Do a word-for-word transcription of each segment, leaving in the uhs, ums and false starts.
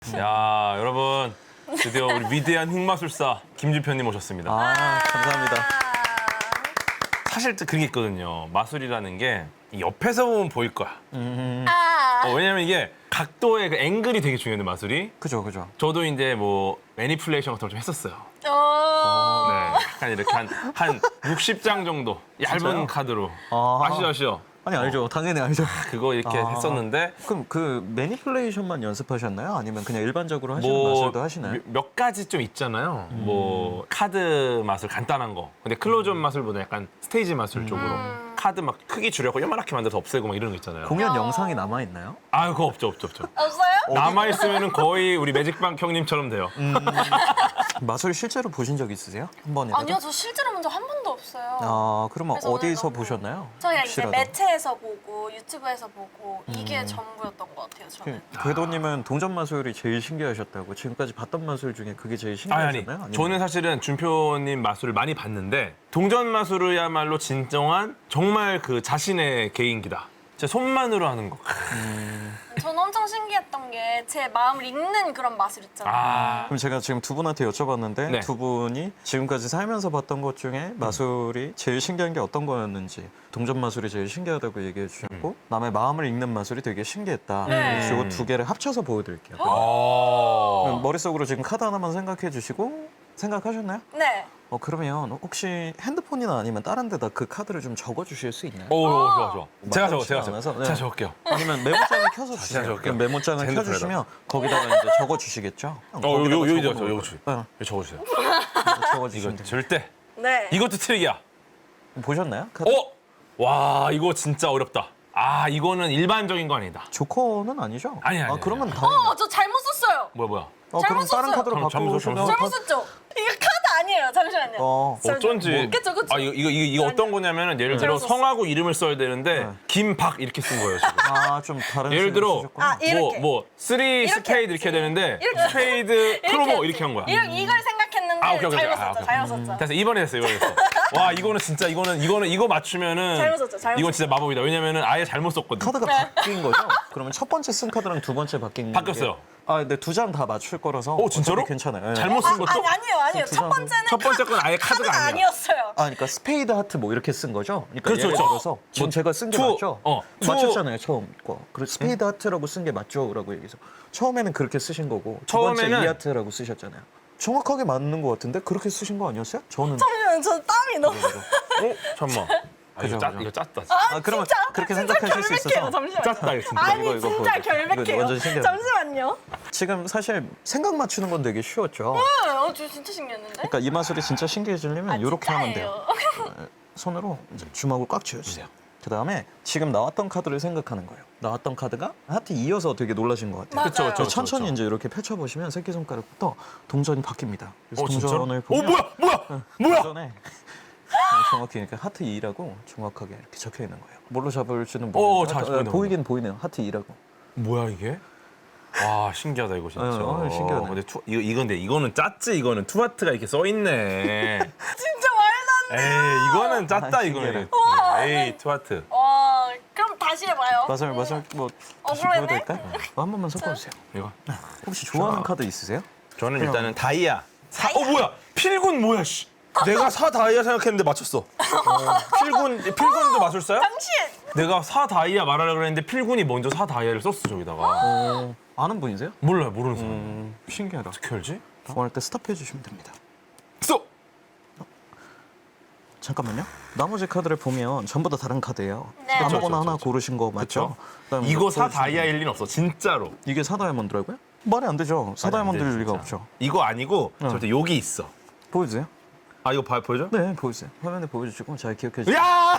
야, 여러분 드디어 우리 위대한 흑마술사 김준표님 오셨습니다. 아, 감사합니다. 사실 그게 있거든요. 마술이라는 게 옆에서 보면 보일 거야. 음, 아. 어, 왜냐면 이게 각도의 그 앵글이 되게 중요한데 마술이. 그죠, 그죠. 저도 이제 뭐 매니플레이션 같은 걸 좀 했었어요. 오. 네, 약간 이렇게 한, 한 육십 장 정도 얇은 진짜요? 카드로. 아. 아시죠, 아시죠? 아니, 알죠. 당연히 알죠. 그거 이렇게 아. 했었는데 그럼 그 매니플레이션만 연습하셨나요? 아니면 그냥 일반적으로 하시는 뭐 마술도 하시나요? 몇- 몇 가지 좀 있잖아요. 뭐 카드 마술 간단한 거. 근데 클로즈업 마술보다 약간 스테이지 마술 쪽으로 카드 막 크기 줄여고 요만하게 만들어서 없애고 막 이런 거 있잖아요. 공연 어. 영상이 남아있나요? 아, 그거 없죠, 없죠, 없죠. 없어요? 남아 있으면은 거의 우리 매직방 형님처럼 돼요. 마술 실제로 보신 적 있으세요? 한 번이라도? 아니요, 저 실제로 본 적 한 번도 없어요. 아, 그러면 그래서 오늘 어디서 너무- 보셨나요? 저희가 이제 혹시라도? 매체에서 보고 유튜브에서 보고 이게 전부였던 것 같아요, 저는. 그 궤도님은 동전 마술이 제일 신기하셨다고. 지금까지 봤던 마술 중에 그게 제일 아니, 아니. 신기하셨나요? 아니면- 저는 사실은 준표님 마술을 많이 봤는데 동전 마술이야말로 진정한 정말 그 자신의 개인기다. 제 손만으로 하는 거. 저는 엄청 신기했던 게 제 마음을 읽는 그런 마술 있잖아요. 아, 그럼 제가 지금 두 분한테 여쭤봤는데 네. 두 분이 지금까지 살면서 봤던 것 중에 마술이 제일 신기한 게 어떤 거였는지, 동전 마술이 제일 신기하다고 얘기해 주셨고 남의 마음을 읽는 마술이 되게 신기했다. 네. 그래서 이거 두 개를 합쳐서 보여드릴게요. 어. 그럼 머릿속으로 지금 카드 하나만 생각해 주시고 생각하셨나요? 네. 어 그러면 혹시 핸드폰이나 아니면 다른 데다 그 카드를 좀 적어 주실 수 있나요? 오, 좋아, 좋아. 제가 적어, 제가 마땅치가 적어. 않아서, 네. 제가 적을게요. 아니면 메모장을 켜서 제가 주세요. 적을게요. 그럼 메모장을 핸드폰에다. 켜주시면 거기다가 이제 적어 주시겠죠? 어, 여기, 여기, 여기 적어, 여기 네, 여기 적어주세요. 적어 이거 주시면 돼요. 절대. 네. 이것도 트릭이야. 보셨나요? 카드? 어? 와, 이거 진짜 어렵다. 아, 이거는 일반적인 거 아니다. 조커는 아니죠? 아니, 아니, 아, 그러면 아니. 다행이네. 어, 저 잘못 썼어요. 뭐야, 뭐야. 어, 그럼 잘못 다른 썼어요. 카드로 잘못, 잘못 바꾸시면 썼어요. 잘못 썼죠? 이거 카드 아니에요. 잠시만요. 어. 어쩐지. 그쵸, 그쵸. 아, 이거, 이거, 이거, 이거 어떤 거냐면은 예를 들어 잘못 썼어. 성하고 이름을 써야 되는데 네. 김박 이렇게 쓴 거예요, 지금. 아, 좀 다른 예를 식으로 들어 쓰셨구나. 아, 이렇게. 뭐, 뭐, 쓰리 이렇게 스페이드 이렇게 해야 되는데 이렇게. 스페이드 크로모 했지. 이렇게 한 거야. 이걸, 이걸 생각했는데 아, 오케이, 오케이. 잘못 아, 썼죠. 오케이. 잘못 썼죠. 됐어, 이번에 됐어, 이번에 됐어. 와, 이거는 진짜, 이거는, 이거는, 이거 맞추면은. 잘못 썼죠, 잘못 이건 진짜 마법이다. 왜냐면은 아예 잘못 썼거든. 카드가 네. 바뀐 거죠? 그러면 첫 번째 쓴 카드랑 두 번째 바뀐 게 바뀌었어요. 아, 근데 두 장 다 맞출 거라서 어, 진짜로? 어차피 괜찮아요. 네. 잘못 쓴 것도? 아니, 아니에요, 아니에요. 두 첫 장. 번째는 첫 번째 건 아예 카드가 카드가 아니야. 아니었어요. 아, 그러니까 스페이드 하트 뭐 이렇게 쓴 거죠? 그러니까 그렇죠, 예를 그렇죠. 들어서 지금 뭐 제가 쓴 게 투, 맞죠? 어, 투. 맞췄잖아요, 처음 거. 그리고 스페이드 하트라고 쓴 게 맞죠라고 얘기해서 처음에는 그렇게 쓰신 거고 두 번째 처음에는- 이 하트라고 쓰셨잖아요. 정확하게 맞는 것 같은데 그렇게 쓰신 거 아니었어요? 저는 잠시만요, 저 땀이 너무. 어? 잠깐만. 아, 이거 그죠, 짜, 그죠. 이거 짰다. 아, 그러면 진짜? 그렇게 진짜 생각하실 수 결백해요, 있어서 잠시만요. 짰다, 이거 진짜. 아니, 이거, 이거 진짜 보여줘. 결백해요. 이거 완전 신기하다. 잠시만요. 지금 사실 생각 맞추는 건 되게 쉬웠죠. 어, 저 진짜 신기했는데? 그러니까 이 마술이 진짜 신기해지려면 이렇게 하면 돼요. 진짜예요. 손으로 이제 주먹을 꽉 쥐어주세요. 그 다음에 지금 나왔던 카드를 생각하는 거예요. 나왔던 카드가 하트 이어서 되게 놀라신 것 같아요. 맞아요. 그쵸, 그쵸. 천천히 그쵸. 이제 이렇게 펼쳐보시면 새끼손가락부터 동전이 바뀝니다. 그래서 어, 진짜로? 동전을 어, 보면 뭐야, 뭐야, 뭐야. 동전에 정확히 이렇게 하트 이라고 정확하게 이렇게 적혀 있는 거예요. 뭘로 잡을지는 어, 모르겠는데 잘 하트- 보이네, 보이긴 보이네요. 하트 이라고. 뭐야 이게? 와, 신기하다 이거 진짜. 어, 어, 신기하네. 근데 투, 이거 이건데 이거는 짰지 이거는 투하트가 이렇게 써 있네. 진짜 말도 안 돼. 에이, 이거는 짰다 아, 이거는. 우와, 에이, 투하트. 와, 그럼 다시 해봐요. 마술 마술 뭐 다시 억울하네. 보여드릴까요? 어, 한 번만 섞어주세요. 이거. 혹시 좋아하는 자. 카드 있으세요? 저는 그냥- 일단은 다이아. 사, 다이아? 어 뭐야? 필군 뭐야? 씨. 내가 사 다이아 생각했는데 맞췄어. 어, 필군 필군도 마술사야? 당신! 내가 사 다이아 말하려고 그랬는데 필군이 먼저 사 다이아를 썼어 저기다가. 어, 아는 분이세요? 몰라요, 모르는 사람. 음, 신기하다. 어떻게 알지? 원할 때 스탑해 주시면 됩니다. 써. 잠깐만요. 나머지 카드를 보면 전부 다 다른 카드예요. 네. 아무거나 그쵸, 그쵸, 하나 그쵸. 고르신 거 맞죠? 그다음에 이거 이거 사 보여주시면 다이아일 리는 없어, 진짜로. 이게 사다이아몬드라고요? 말이 안 되죠. 사다이아몬드일 안 돼, 리가 진짜. 없죠. 이거 아니고 어. 절대 여기 있어. 보여주세요. 아 이거 봐 보여줘? 네, 보여주세요. 화면에 보여주시고 잘 기억해 주세요. 야!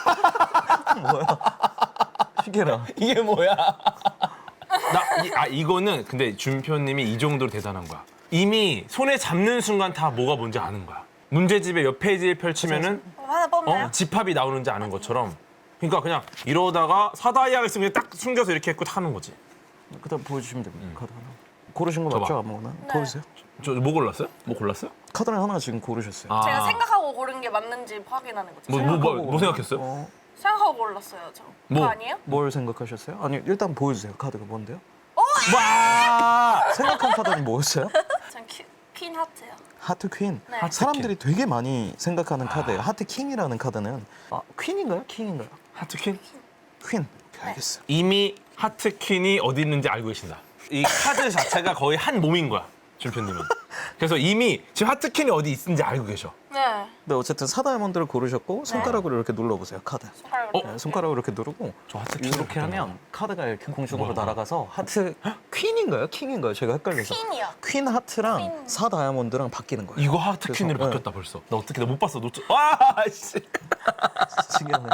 시계라. 이게 뭐야? 나, 이, 아, 이거는 근데 준표님이 이 정도로 대단한 거야. 이미 손에 잡는 순간 다 뭐가 뭔지 아는 거야. 문제집의 몇 페이지를 펼치면은 어, 하나 뽑나요? 어? 집합이 나오는지 아는 것처럼. 그러니까 그냥 이러다가 사다이아가 있으면 그냥 딱 숨겨서 이렇게 했고 타는 거지. 그다음 보여주시면 됩니다. 카드 하나. 고르신 거 줘봐. 맞죠? 아무거나. 네. 보여주세요. 저 뭐 골랐어요? 뭐 골랐어요? 카드를 하나 지금 고르셨어요. 아. 제가 생각하고 고른 게 맞는지 확인하는 거죠. 뭐, 뭐, 뭐, 뭐 생각했어요? 어, 생각하고 골랐어요, 저. 뭐? 그거 아니에요? 뭘 생각하셨어요? 아니 일단 보여주세요. 카드가 뭔데요? 어, 와. 생각한 카드는 뭐였어요? 전 큐, 퀸 하트요. 하트 퀸. 네. 하트 사람들이 되게 많이 생각하는 카드예요. 하트 킹이라는 카드는 아, 퀸인가요? 킹인가요? 하트퀸? 퀸. 오케이, 알겠어요. 이미 하트퀸이 어디 있는지 알고 계신다. 이 카드 자체가 거의 한 몸인 거야, 준표님은. 그래서 이미 지금 하트퀸이 어디 있는지 알고 계셔. 네. 근데 어쨌든 사 다이아몬드를 고르셨고 손가락으로 이렇게 눌러보세요. 카드. 손가락으로. 어? 네, 손가락으로 이렇게 누르고 저 하트 퀸을 이렇게 봤던 하면 카드가 이렇게 공중으로 뭐야? 날아가서 하트 퀸인가요? 킹인가요? 제가 헷갈려서. 퀸이요. 퀸 하트랑 퀸. 사 다이아몬드랑 바뀌는 거예요. 이거 하트퀸으로 그래서, 바뀌었다 벌써. 나 어떻게 나 못 봤어. 놓쳐. 와, 씨. 신기하네.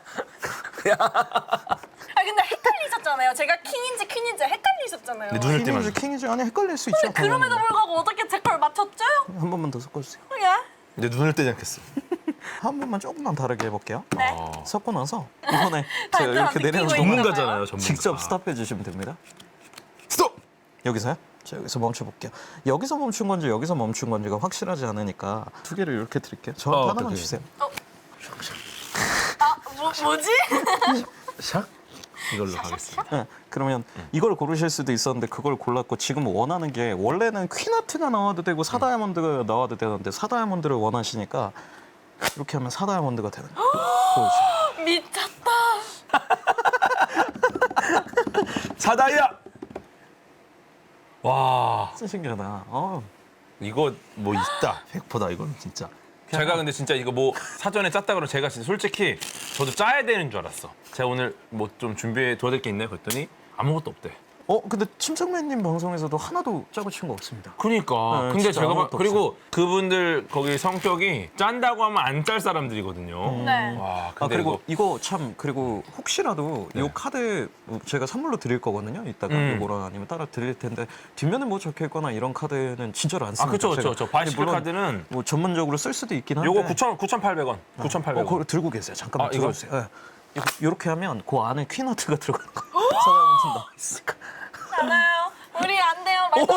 아 근데 헷갈리셨잖아요. 제가 킹인지 퀸인지 헷갈리셨잖아요. 근데 눈을 떼면 퀸인지 킹인지 아니 헷갈릴 수 있죠. 그럼에도 불구하고 어떻게 제 걸 맞췄죠? 한 번만 더 섞어주세요. 예? 내 눈을 떼지 않겠어. 한 번만 조금만 다르게 해볼게요. 네. 어. 섞고 나서 이번에 제가 발전 이렇게 느끼고 내려놓은 있는 거 전문가잖아요, 전문가. 직접 스탑해 주시면 됩니다. 스톱. 여기서요? 자, 여기서 멈춰 볼게요. 여기서 멈춘 건지 여기서 멈춘 건지가 확실하지 않으니까 두 개를 이렇게 드릴게요. 저한테 어, 하나만 어떡해. 주세요. 아 뭐, 뭐지? 샥. 이걸로 가겠습니다. 네, 그러면 이걸 고르실 수도 있었는데 그걸 골랐고 지금 원하는 게 원래는 퀸하트가 나와도 되고 사 다이아몬드가 나와도 되는데 사 다이아몬드를 원하시니까 이렇게 하면 사 다이아몬드가 되는 거예요. 보여주세요. 미쳤다. 사다이아. 와, 진짜 신기하다. 어. 이거 뭐 있다. 백 퍼센트다 이건 진짜. 어. 제가 근데 진짜 이거 뭐 사전에 짰다 그러면 제가 진짜 솔직히 저도 짜야 되는 줄 알았어. 제가 오늘 뭐 좀 준비해 도와드릴 게 있나요? 그랬더니 아무것도 없대. 어, 근데 침착맨님 방송에서도 하나도 짜고 친 거 없습니다. 그러니까. 네, 근데 진짜 제가 봐, 아무것도 그리고 그분들 거기 성격이 짠다고 하면 안 짤 사람들이거든요. 네. 와, 아 근데 그리고 이거 이거 참 그리고 혹시라도 네. 이 카드 제가 선물로 드릴 거거든요. 이따가 음. 이거랑 아니면 따라 드릴 텐데 뒷면에 뭐 적혀 있거나 이런 카드는 진짜로 안 아, 씁니다. 그쵸, 그쵸, 제가. 그쵸. 바이시클 물론 카드는 뭐 전문적으로 쓸 수도 있긴 한데. 요거 구천, 구천팔백 원. 구천팔백 어, 그걸 원. 들고 계세요. 잠깐만 아, 이거? 들어주세요. 예. 이거 이렇게 하면 그 안에 퀸하트가 들어가는 거예요. 사람은 나와 있으니까. 알아요. 우리 안 돼요. 말도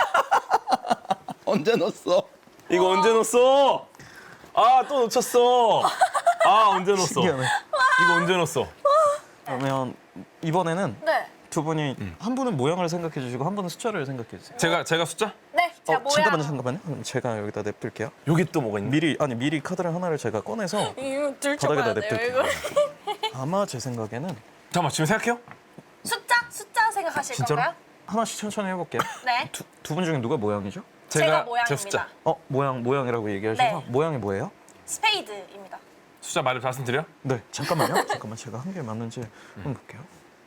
언제 넣었어? 이거 언제 넣었어? 아, 또 놓쳤어. 아, 언제 넣었어? 신기하네. 이거 언제 넣었어? 그러면 이번에는 네. 두 분이 음. 한 분은 모양을 생각해 주시고 한 분은 숫자를 생각해 주세요. 제가 제가 숫자? 네. 제가 어, 뭐야? 잠깐만요, 잠깐만요. 그럼 제가 여기다 냅둘게요. 여기 또 뭐가 있니? 미리 아니 미리 카드를 하나를 제가 꺼내서 이거 들춰봐야 바닥에다 돼요. 냅둘게요. 이거. 아마 제 생각에는 잠깐만, 지금 생각해요? 숫자? 숫자 생각하실 진짜로? 건가요? 하나씩 천천히 해볼게요. 네. 두 분 중에 누가 모양이죠? 제가, 제 모양입니다. 숫자. 어 모양 모양이라고 얘기하셔서 네. 모양이 뭐예요? 스페이드입니다. 숫자 말을 말씀드려? 네 잠깐만요. 잠깐만 제가 한 개 맞는지 한번 볼게요.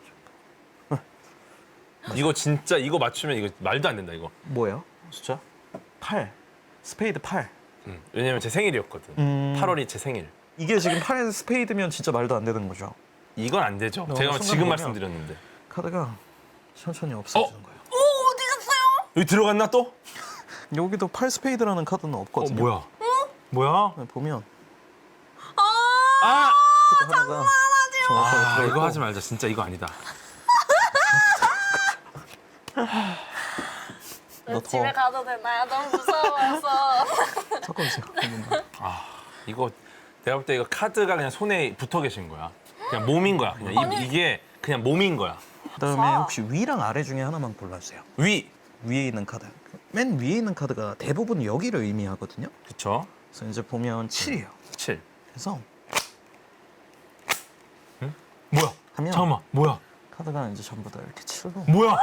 이거 진짜 이거 맞추면 이거 말도 안 된다 이거. 뭐예요? 숫자? 팔. 스페이드 팔. 음, 왜냐면 제 생일이었거든. 음. 팔월이 제 생일. 이게 지금 팔 스페이드면 진짜 말도 안 되는 거죠. 이건 안 되죠. 어, 제가 순간 지금 보면- 말씀드렸는데. 카드가 천천히 없어지는 어? 거예요. 오 어디 갔어요? 여기 들어갔나 또? 여기도 팔 스페이드라는 카드는 어, 없거든요. 뭐야? 뭐야? 네, 보면 아 아! 카드 하나가 정확하게 아, 들어있고 이거 하지 말자. 진짜 이거 아니다. 너 집에 더 가도 되나요? 너무 무서워서. 섞어주세요. 한 번만. 아, 이거 내가 볼 때 이거 카드가 그냥 손에 붙어 계신 거야. 그냥 몸인 거야. 그냥 이, 아니. 이게 그냥 몸인 거야. 그다음에 아. 혹시 위랑 아래 중에 하나만 골라주세요. 위. 위에 있는 카드. 맨 위에 있는 카드가 대부분 여기를 의미하거든요. 그쵸? 그래서 이제 보면 칠이에요. 칠. 그래서 뭐야? 하면 잠깐만. 뭐야? 카드가 이제 전부 다 이렇게 칠로 뭐야?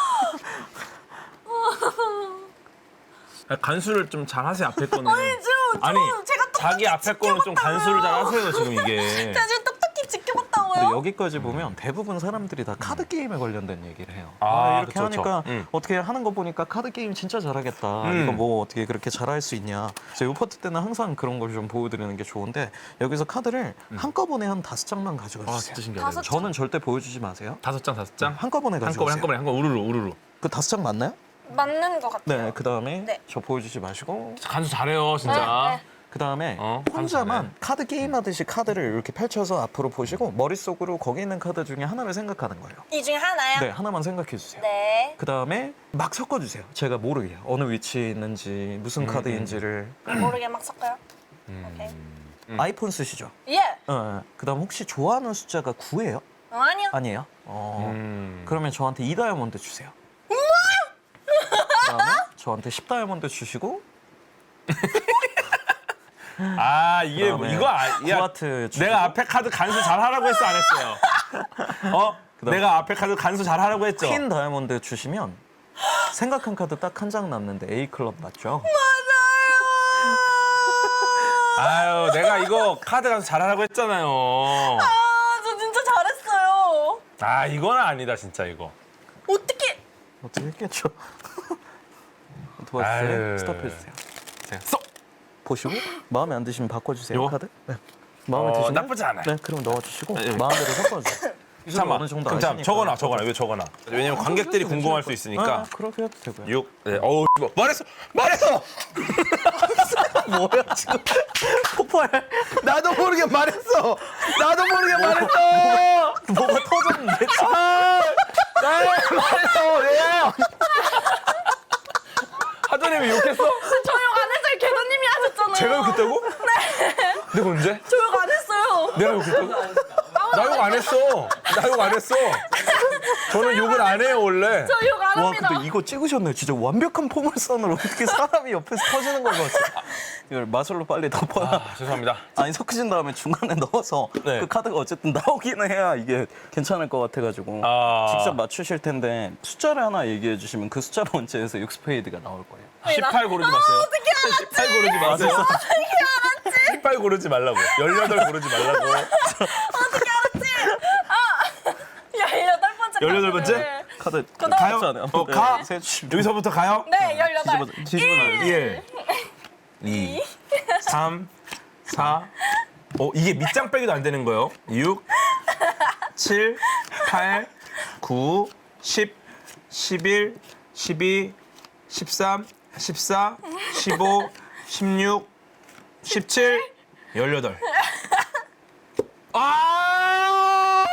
간수를 좀 잘 하세요. 앞에 거는. 아니 좀, 아니, 좀 제가 똑똑히 자기 앞에 거는 좀 간수를 잘 하세요. 지금 이게. 제가 지금 똑똑히 지켜봤다고요? 근데 여기까지 보면 대부분 사람들이 다 카드 게임에 관련된 얘기를 해요. 아, 아, 이렇게 그쵸, 그쵸. 하니까 음. 어떻게 하는 거 보니까 카드 게임 진짜 잘하겠다. 음. 이거 뭐 어떻게 그렇게 잘할 수 있냐. 그래서 이 파트 때는 항상 그런 걸 좀 보여드리는 게 좋은데 여기서 카드를 한꺼번에 한 다섯 장만 가져가 아, 주세요. 진짜 신기하다. 다섯 이거. 저는 절대 보여주지 마세요. 다섯 장, 다섯 장? 한꺼번에 가지고 한꺼번에, 한꺼번에, 한꺼번에, 우르르, 우르르. 그 다섯 장 맞나요? 맞는 것 같아요. 네. 그 다음에 네. 저 보여주지 마시고 간수 잘해요, 진짜. 네, 네. 그 다음에 어, 혼자만 감사하네. 카드 게임 하듯이 카드를 이렇게 펼쳐서 앞으로 보시고 머릿속으로 거기 있는 카드 중에 하나를 생각하는 거예요. 이 중에 하나요? 네, 하나만 생각해 주세요. 네. 그 다음에 막 섞어주세요. 제가 모르게 어느 위치에 있는지 무슨 카드인지를. 모르게 막 섞어요. 음. 오케이. 음. 아이폰 쓰시죠? 예. 어, 그 다음 혹시 좋아하는 숫자가 구예요? 어, 아니요. 아니에요? 어, 음. 그러면 저한테 이 다이아몬드 주세요. 그다음에 저한테 십 다이아몬드 주시고 아 이게 뭐 그다음에 이거 아, 야, 후아트 주시고 내가 앞에 카드 간수 잘 하라고 했어 안 했어요? 어? 그다음- 내가 앞에 카드 간수 잘 하라고 했죠? 퀸 다이아몬드 주시면 생각한 카드 딱 한 장 남는데 A 클럽 맞죠? 아유 내가 이거 카드 간수 잘 하라고 했잖아요. 아, 저 진짜 잘했어요. 아 이건 아니다 진짜 이거. 어떻게? 어떻게 했겠죠? 도와주세요. 아유. 스톱해주세요. 제가 쏙! 보시고 마음에 안 드시면 바꿔주세요. 요거? 카드. 네. 마음에 어, 드시면 나쁘지 않아요. 네, 그럼 넣어주시고 네, 여기. 마음대로 섞어주세요. 잠깐만 어느 정도 그럼 잠 아시니까. 적어놔 적어놔 왜 적어놔 왜냐면 관객들이 궁금할 수 있으니까 아, 그렇게 해도 되고요. 육 네. 어우 뭐, 말했어 말했어 뭐야 지금 폭발. 나도 모르게 말했어 나도 모르게 말했어 뭐가 터졌는데 지금. 아, 나 말했어 왜요 하더님이 욕했어? 저 욕 안 했어요. 개도님이 하셨잖아요. 제가 욕했다고? 네 내가 언제? 저 욕 안 했어요. 내가 욕했다고? 나 욕 안 했어 나 욕 안 했어 저는 욕을 안 해요 원래 저 욕 안 와 합니다. 근데 이거 찍으셨네. 진짜 완벽한 포물선으로 어떻게 사람이 옆에서 터지는 걸 봤어. 이걸 마술로 빨리 덮어야. 아, 죄송합니다 아니 섞으신 다음에 중간에 넣어서 네. 그 카드가 어쨌든 나오기는 해야 이게 괜찮을 것 같아가지고 아. 직접 맞추실 텐데 숫자를 하나 얘기해 주시면 그 숫자로 원체에서 육 스페이드가 나올 거예요. 십팔 고르지 마세요 어떻게 알았지? 십팔 고르지 마세요 어떻게 알았지? 십팔 고르지 말라고 열여덟 고르지 말라고 어떻게 알았지? 아, 열여덟 번째. 열여덟 번째? 카드를. 카드 그다음- 가요? 숫자네요. 어, 가? 세 주시면 여기서부터 가요? 네, 열여덟. 뒤집어 뒤집어 놔요. 일, 이, 삼, 사, 오 이게 밑장 빼기도 안 되는 거예요. 육, 칠, 팔, 구, 십, 십일, 십이, 십삼, 십사, 십오, 십육, 십칠, 열여덟. 아!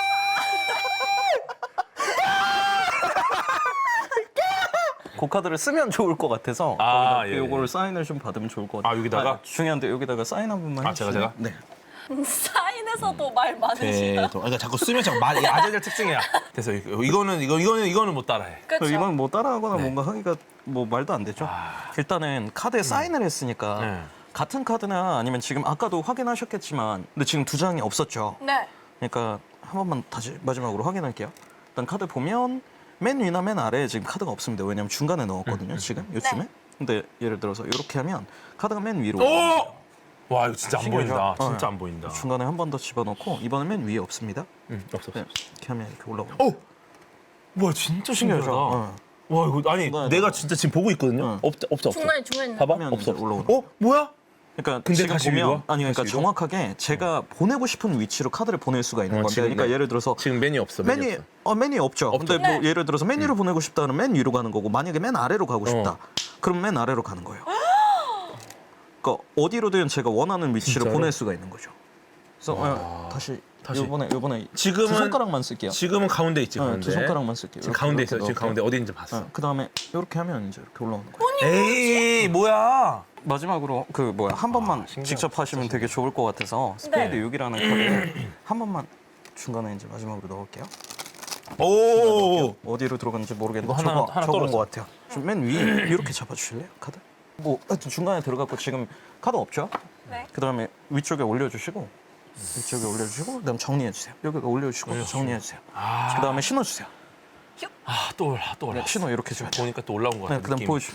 그 카드를 쓰면 좋을 것 같아서 아, 거기다 예, 요거를 예. 사인을 좀 받으면 좋을 것 같아요. 아, 여기다가? 아, 중요한데 여기다가 사인 한 번만 아, 제가, 해주시면. 제가? 네. 사인에서도 말 많으시다. 그러니까 자꾸 쓰면 자꾸 말 아재들 특징이야. 그래서 이거- 이거는 이거 이거는 이거는 못 따라해. 그렇죠. 이건 뭐 따라하거나 네. 뭔가 하기가 뭐 말도 안 되죠. 일단은 카드에 사인을 했으니까 네. 같은 카드나 아니면 지금 아까도 확인하셨겠지만 근데 지금 두 장이 없었죠. 네. 그러니까 한 번만 다시 마지막으로 확인할게요. 일단 카드 보면 맨 위나 맨 아래에 지금 카드가 없습니다. 왜냐면 중간에 넣었거든요. 지금 요즘에. 네. 근데 예를 들어서 이렇게 하면 카드가 맨 위로 올라가요. 오! 와 이거 진짜 안 신기하죠? 보인다. 어. 진짜 안 보인다. 중간에 한 번 더 집어넣고 이번엔 맨 위에 없습니다. 응, 없어 없어. 네, 이렇게 하면 이렇게 올라오고. 오! 와 진짜 신기하다. 신기하죠? 어. 와 이거 아니 중간에 내가 넣어. 진짜 지금 보고 있거든요. 어. 없 없어 없어. 중간에 중간에. 봐봐 하면 없어. 이제 올라오는 어 뭐야? 그러니까 근데 지금 다시 보면 위로 와? 아니 그러니까 다시 위로? 정확하게 제가 보내고 싶은 위치로 카드를 보낼 수가 있는 어, 건데 지금 그러니까 네. 예를 들어서 지금 메뉴 없어. 메뉴 없어. 어 메뉴 없죠. 없죠. 근데 뭐 네. 예를 들어서 메뉴를 보내고 싶다면 맨 위로 가는 거고 만약에 맨 아래로 가고 싶다. 어. 그럼 맨 아래로 가는 거예요. 그러니까 어디로든 제가 원하는 위치로 진짜로? 보낼 수가 있는 거죠. 그래서 어, 다시 다시. 요번에 요번에 지금은- 두 손가락만 쓸게요. 지금은 가운데 있지 어, 가운데. 두 손가락만 쓸게요. 지금 이렇게, 가운데 이렇게 있어. 지금 넣을게요. 가운데 어디인지 봤어. 어, 그다음에 이렇게 하면 이제 이렇게 올라오는 거예요. 에이 뭐야? 마지막으로 그 뭐야 한 번만 신기하다, 직접 하시면 되게 좋을 것 같아서 스페이드 육 이라는 카드를 한 번만 중간에 이제 마지막으로 넣을게요. 오. 어디로 들어갔는지 모르겠는데 이거 하나- 저거 하나 저건 떨어져. 것 같아요. 좀 맨 위에 이렇게 잡아주실래요 카드? 뭐 하여튼 중간에 들어갔고 지금 카드 없죠? 네. 그다음에 위쪽에 올려주시고 위쪽에 올려주시고 그다음 정리해주세요. 여기가 올려주시고 정리해주세요. 아. 그다음에 신어주세요. 아또 올라 또 올라. 네, 신호 이렇게 줘야 돼요. 보니까 또 올라온 것 같아. 네, 그다음 느낌이. 보여주세요.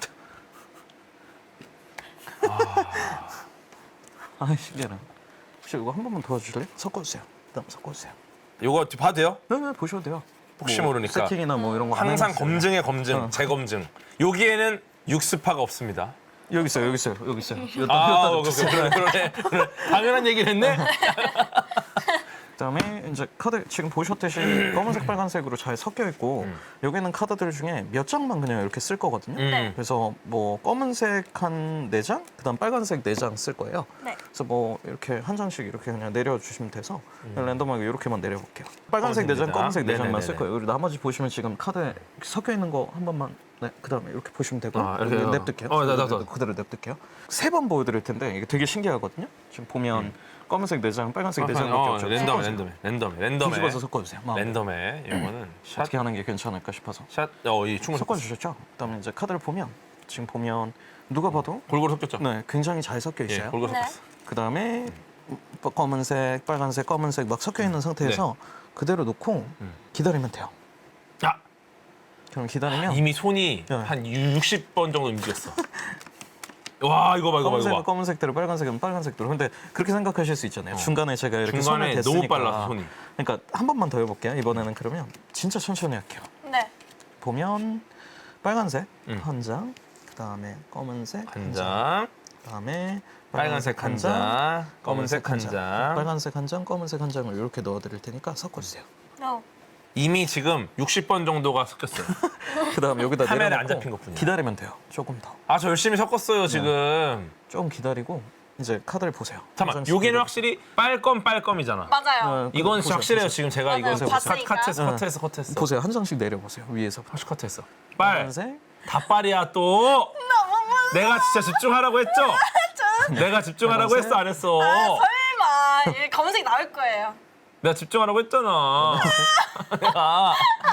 아, 신기하네. 혹시 이거 한 번만 도와주실래요? 섞어주세요. 그다음 섞어주세요. 이거 봐도 돼요? 네, 네, 보셔도 돼요. 혹시 뭐 모르니까. 세팅이나 뭐 이런 거 안 항상 해놨어요. 검증의 검증, 어. 재검증. 여기에는 육스파가 없습니다. 여기 있어요, 여기 있어요, 여기 있어요. 여기다, 아, 여기다 어, 주세요. 그러네, 그러네, 그러네. 당연한 얘기를 했네. 그다음에 이제 카드 지금 보셨듯이 검은색, 빨간색으로 잘 섞여 있고 음. 여기는 카드들 중에 몇 장만 그냥 이렇게 쓸 거거든요. 음. 그래서 뭐 검은색 한 네 장, 그다음 빨간색 네 장 쓸 거예요. 네. 그래서 뭐 이렇게 한 장씩 이렇게 그냥 내려주시면 돼서 랜덤하게 이렇게만 내려볼게요. 빨간색 네 장, 검은색 네 장. 검은색 네 장만 네네네네. 쓸 거예요. 그리고 나머지 보시면 지금 카드에 섞여 있는 거 한 번만 네, 그다음에 이렇게 보시면 되고 아, 이렇게 여기 해요. 냅둘게요. 어, 나, 나, 나. 그대로 냅둘게요. 세 번 보여드릴 텐데 이게 되게 신기하거든요. 지금 보면 검은색 네 장, 빨간색 네 장밖에 어, 없죠. 랜덤 섞어주세요. 랜덤에 랜덤에 랜덤에 뒤집어서 섞어주세요. 마음대로. 랜덤에 이거는 샷 어떻게 하는 게 괜찮을까 싶어서 샷. 어, 이 충분 섞어주셨죠? 그다음에 이제 카드를 보면 지금 보면 누가 봐도 골고루 섞였죠. 네, 굉장히 잘 섞여 예, 있어요. 골고루 네. 섞였어. 그다음에 검은색, 빨간색, 검은색 막 섞여 있는 상태에서 그대로 놓고 기다리면 돼요. 아, 그럼 기다리면 이미 손이 네. 한 육십 번 정도 움직였어. 와, 이거 봐, 이거 봐, 검은색은 이거 봐. 검은색대로 빨간색은 빨간색대로. 근데 그렇게 생각하실 수 있잖아요. 중간에 제가 이렇게 중간에 손을 너무 댔으니까. 빨라서 손이. 그러니까 한 번만 더 해볼게요. 이번에는 그러면 진짜 천천히 할게요. 네. 보면 빨간색 음. 한 장, 그다음에 검은색 한 장, 그다음에 빨간색 한 장, 검은색 한 장. 빨간색 한 장, 검은색 한 장을 이렇게 넣어드릴 테니까 섞어주세요. No. 이미 지금 육십 번 정도가 섞였어요. 그다음 여기다 카메라에 내려놓고 안 잡힌 것뿐이야. 기다리면 돼요. 조금 더. 아, 저 열심히 섞었어요, 지금. 좀 기다리고 이제 카드를 보세요. 잠깐만, 한장씩 여기는 기다리고. 확실히 빨검 빨검이잖아. 맞아요. 어, 이건 보세요, 확실해요. 보세요. 지금 제가 이거 맞아요. 컷- 봤으니까. 컷했어, 네. 컷했어, 컷했어. 보세요. 한 장씩 내려보세요. 위에서. 다시 컷했어. 빨, 빨간색. 다 빨이야 또. 내가 진짜 집중하라고 했죠? 내가 집중하라고 빨간색. 했어, 안 했어? 설마 이 검은색 나올 거예요. 내가 집중하라고 했잖아. 내가.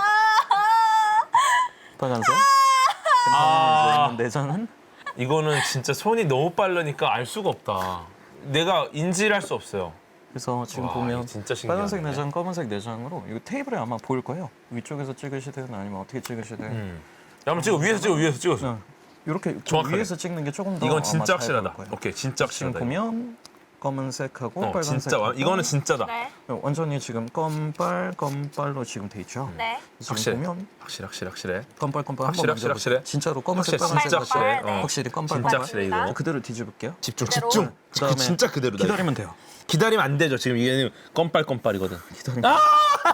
빨간색. 아. 네 장은 이거는 진짜 손이 너무 빠르니까 알 수가 없다. 내가 인지를 할 수 없어요. 그래서 지금 와, 보면 이거 진짜 신기하네. 빨간색 네 장, 검은색 네 장으로 이거 테이블에 아마 보일 거예요. 위쪽에서 찍으시든 아니면 어떻게 찍으시든. 음. 야, 한번 찍어. 위에서 찍어, 위에서 찍어서. 네. 이렇게 정확하게. 위에서 찍는 게 조금 더 이건 아마 진짜 잘 확실하다. 보일 거예요. 오케이, 진짜 지금 확실하다. 보면 검은색하고 어, 빨간색. 진짜 와- 이거는 진짜다. 네. 완전히 지금 검빨 검빨로 지금 돼 있죠. 네. 지금 확실해. 보면 확실해, 확실해, 확실해. 검빨 검빨 확실해, 한번 확실해, 확실해. 진짜로 검은색 확실해, 빨간색 진짜 같이 확실해. 네. 어. 확실히 검빨 진짜 검빨. 확실해, 이거. 그대로 뒤집을게요. 집중, 그대로. 집중. 그다음에 진짜 그대로다. 이거. 기다리면 돼요. 기다리면 안 되죠. 지금 이게 껌빨껌빨이거든. 기다리면 아!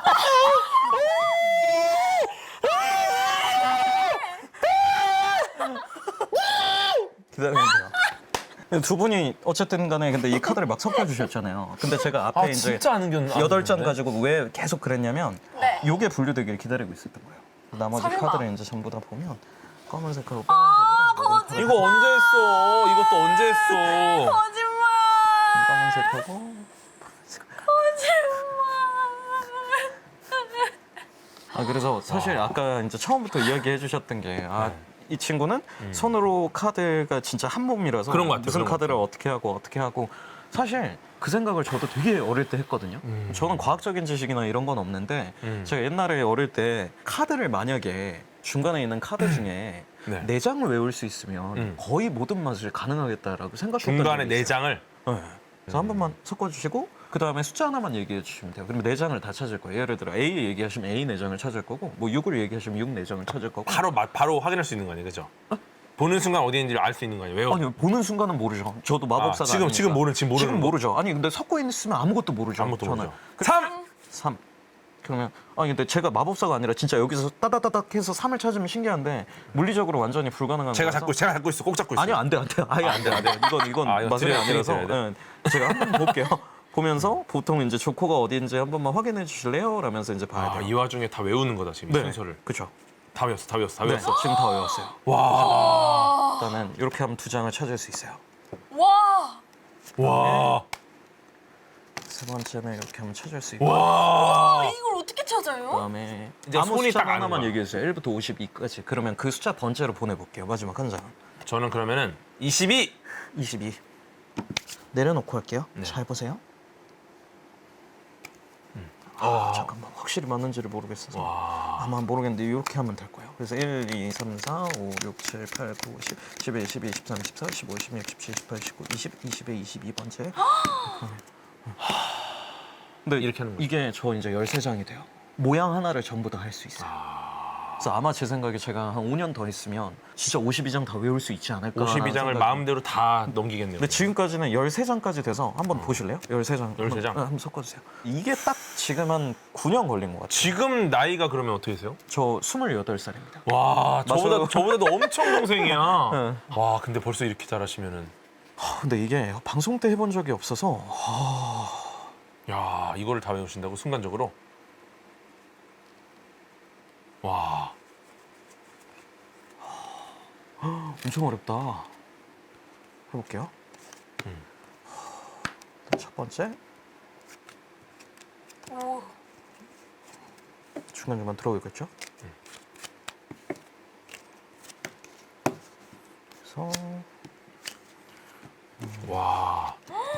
기다리면 돼요. 근데 두 분이 어쨌든 간에 근데 이 카드를 막 섞어주셨잖아요. 근데 제가 앞에 아, 이제 진짜 안 은견. 여덟 장 가지고 왜 계속 그랬냐면 네. 요게 분류되기를 기다리고 있었던 거예요. 나머지 설마. 카드를 이제 전부 다 보면 검은색하고 아, 빨간색으로 이거 언제 했어? 이것도 언제 했어? 거짓말. 검은색하고 거짓말. 아 그래서 사실 아까 이제 처음부터 이야기해 주셨던 게 아 이 친구는 손으로 카드가 진짜 한 몸이라서 그런 것 같아요, 무슨 그런 것 카드를 같아요. 어떻게 하고 어떻게 하고 사실 그 생각을 저도 되게 어릴 때 했거든요. 저는 과학적인 지식이나 이런 건 없는데 음. 제가 옛날에 어릴 때 카드를 만약에 중간에 있는 카드 중에 네. 네 장을 외울 수 있으면 음. 거의 모든 맛을 가능하겠다라고 생각했던 중간에 적이 네 있어요. 장을. 네. 그래서 한 번만 섞어주시고 그 다음에 숫자 하나만 얘기해 주시면 돼요. 그러면 네 장을 다 찾을 거예요. 예를 들어 A 얘기하시면 A 네 장을 찾을 거고 뭐 육을 얘기하시면 육 네 장을 찾을 거고 바로 마- 바로 확인할 수 있는 거 아니에요, 그죠? 보는 순간 어디 있는지를 알 수 있는 거 아니에요? 왜요? 아니 보는 순간은 모르죠. 저도 마법사가 아, 지금- 아니니까. 지금 모르- 지금 모르는 지금 거? 모르죠. 아니 근데 섞어 있으면 아무것도 모르죠. 아무것도 저는. 모르죠. 삼. 삼. 그러면 아니 근데 제가 마법사가 아니라 진짜 여기서 따다다닥 해서 삼을 찾으면 신기한데 물리적으로 완전히 불가능한 제가 거라서 잡고 제가 잡고 있어. 꼭 잡고 있어. 아니요 안 돼 안 돼. 아예 안 돼 안 돼. 이건 이건 아, 이거 마술이 드려야- 아니라서 드려야 예. 제가 한번 볼게요. 보면서 보통 이제 조커가 어디인지 한 번만 확인해 주실래요? 라면서 이제 봐야 아, 돼요. 이 와중에 다 외우는 거다 지금 이 네, 순서를. 그렇죠. 다 외웠어, 다 외웠어, 다 네, 외웠어. 지금 다 외웠어요. 와, 일단은 이렇게 하면 두 장을 찾을 수 있어요. 와. 와, 세 번째는 이렇게 하면 찾을 수 있고 와. 이걸 어떻게 찾아요? 그다음에 이제 아무 손이 숫자 딱 아는 하나만 거야. 얘기해 주세요. 일부터 오십이까지. 그러면 그 숫자 번째로 보내볼게요. 마지막 한 장. 저는 그러면은 이십이. 이십이. 내려놓고 할게요. 네. 잘 보세요. 아, 잠깐만 확실히 맞는지를 모르겠어서. 와. 아마 모르겠는데 이렇게 하면 될 거예요. 그래서 일, 이, 삼, 사, 오, 육, 칠, 팔, 구, 십, 십일, 십이, 십삼, 십사, 십오, 십육, 십칠, 십팔, 십구, 이십, 이십에 이십이 번째. 근데 이렇게 하는 거죠. 이게 저 이제 열세 장이 돼요. 모양 하나를 전부 다 할 수 있어요. 그래서 아마 제 생각에 제가 한 오 년 더 있으면 진짜 오십이 장 다 외울 수 있지 않을까. 오십이 장을 마음대로 다 넘기겠네요. 근데 지금까지는 열세 장까지 돼서 한번 보실래요? 열세 장. 열세 장? 한번, 네, 한번 섞어주세요. 이게 딱 지금 한 구 년 걸린 것 같아요. 지금 나이가 그러면 어떻게 되세요? 저 스물여덟 살입니다. 와, 저보다 맞아요. 저보다도 엄청 동생이야. 네. 와, 근데 벌써 이렇게 잘하시면은, 근데 이게 방송 때 해본 적이 없어서 야, 이거를 다 외우신다고 순간적으로. 와, 엄청 어렵다. 해볼게요. 음. 첫 번째 오. 중간중간 들어오겠죠? 그래서 와.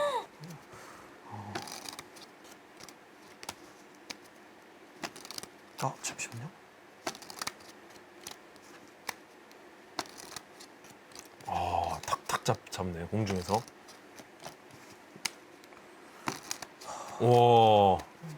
아 잠시만요. 아, 탁탁 잡 잡네 공중에서. 와.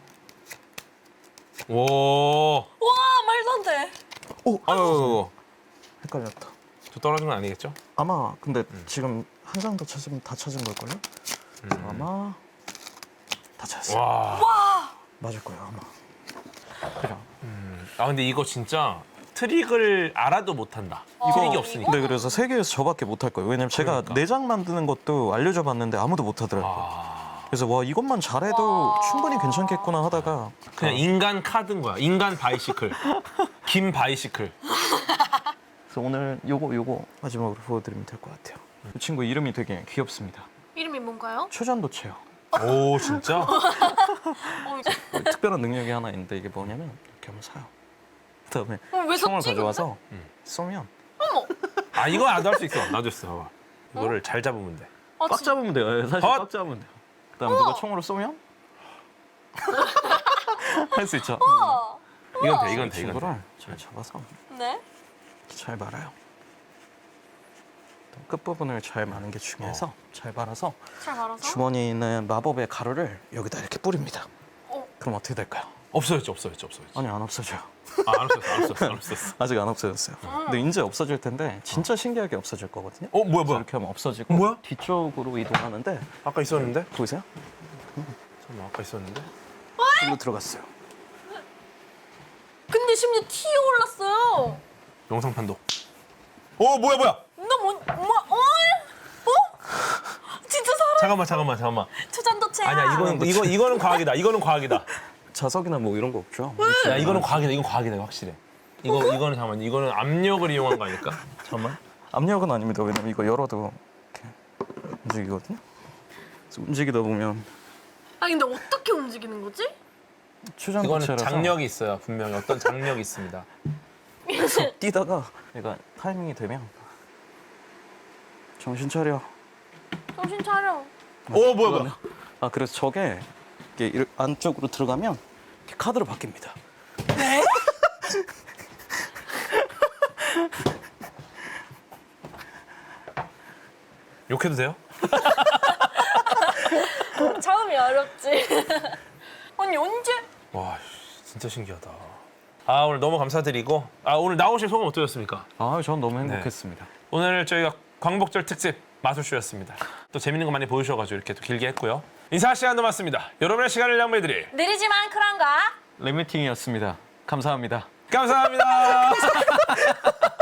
와. 와 말도 안 돼. 오, 아유, 헷갈렸다. 저 떨어진 건 아니겠죠? 아마 근데 지금 한 장 더 찾으면 다 찾은 걸걸요? 아마 다 찾았어요. 와. 맞을 거예요 아마. 그냥 아 근데 이거 진짜 트릭을 알아도 못한다. 이거- 트릭이 없으니까. 네, 그래서 세계에서 저밖에 못할 거예요. 왜냐면 제가 그러니까. 내장 만드는 것도 알려줘 봤는데 아무도 못하더라고요. 아, 그래서 와 이것만 잘해도 와. 충분히 괜찮겠구나 하다가 그냥 인간 카드인 거야. 인간 바이시클. 김 바이시클. 그래서 오늘 요거 요거 마지막으로 보여드리면 될 것 같아요. 이 친구 이름이 되게 귀엽습니다. 이름이 뭔가요? 초전도체요. 오 진짜? 어, 이제- 특별한 능력이 하나 있는데 이게 뭐냐면 이렇게 한번 사요. 그다음에 어, 왜 총을 섰지, 가져와서 근데? 쏘면 아 이거 나도 할 수 있어. 나도 했어. 봐봐. 이거를 잘 잡으면 돼. 아, 꽉 진- 잡으면 돼요. 예, 사실 헛! 꽉 잡으면 돼요. 그다음에 누가 총으로 쏘면 할 수 있죠. 우와. 이건 돼. 이 이건 돼. 이건 돼. 친구를 잘 잡아서 네. 잘 말아요. 끝부분을 잘 마는 게 중요해서 잘 말아서 잘 말아서. 주머니에 있는 마법의 가루를 여기다 이렇게 뿌립니다. 어. 그럼 어떻게 될까요? 없어졌지. 없어졌지. 없어졌지. 아니 안 없어져요. 아, 안 없었어. 안 없었어. 안 없었어. 아직 안 없어졌어요. 근데 이제 없어질 텐데 진짜 신기하게 없어질 거거든요. 어 뭐야 그래서 뭐야? 이렇게 하면 없어지고 뭐야? 뒤쪽으로 이동하는데 아까 있었는데? 보이세요? 잠깐만 아까 있었는데? 일로 들어갔어요. 근데 심지어 티에 올랐어요. 영상 판독. 어 뭐야 뭐야? 너 뭐, 뭐, 어? 어? 진짜 사람 잠깐만 잠깐만 잠깐만. 초잔도체야. 아니야 이거는 이거 이거는 과학이다. 이거는 과학이다. 자석이나 뭐 이런 거 없죠? 야 이거는 과학이다. 이건 과학이다. 이거 확실해. 이거 이거는 잠깐만. 이거는 압력을 이용한 거 아닐까? 잠깐만. 압력은 아닙니다. 왜냐면 이거 열어도 이렇게 움직이거든요. 그래서 움직이다 보면 아 근데 어떻게 움직이는 거지? 이거는 추전도체라서 장력이 있어요. 분명히 어떤 장력이 있습니다. 뛰다가 얘가 타이밍이 되면 정신 차려. 정신 차려. 오 뭐야 뭐야? 그러면- 아 그래서 저게 이게 이렇게 안쪽으로 들어가면 이렇게 카드로 바뀝니다. 욕해도 돼요? 처음이 어렵지. 아니 언제? 와 진짜 신기하다. 아 오늘 너무 감사드리고 아 오늘 나오실 소감 어떠셨습니까? 아, 전 너무 행복했습니다. 오늘 저희가 광복절 특집 마술쇼였습니다. 또 재밌는 거 많이 보여주셔가지고 이렇게 또 길게 했고요. 인사 시간도 많습니다. 여러분의 시간을 양보해드릴 느리지만 쿨한가? 랩미팅이었습니다. 감사합니다. 감사합니다.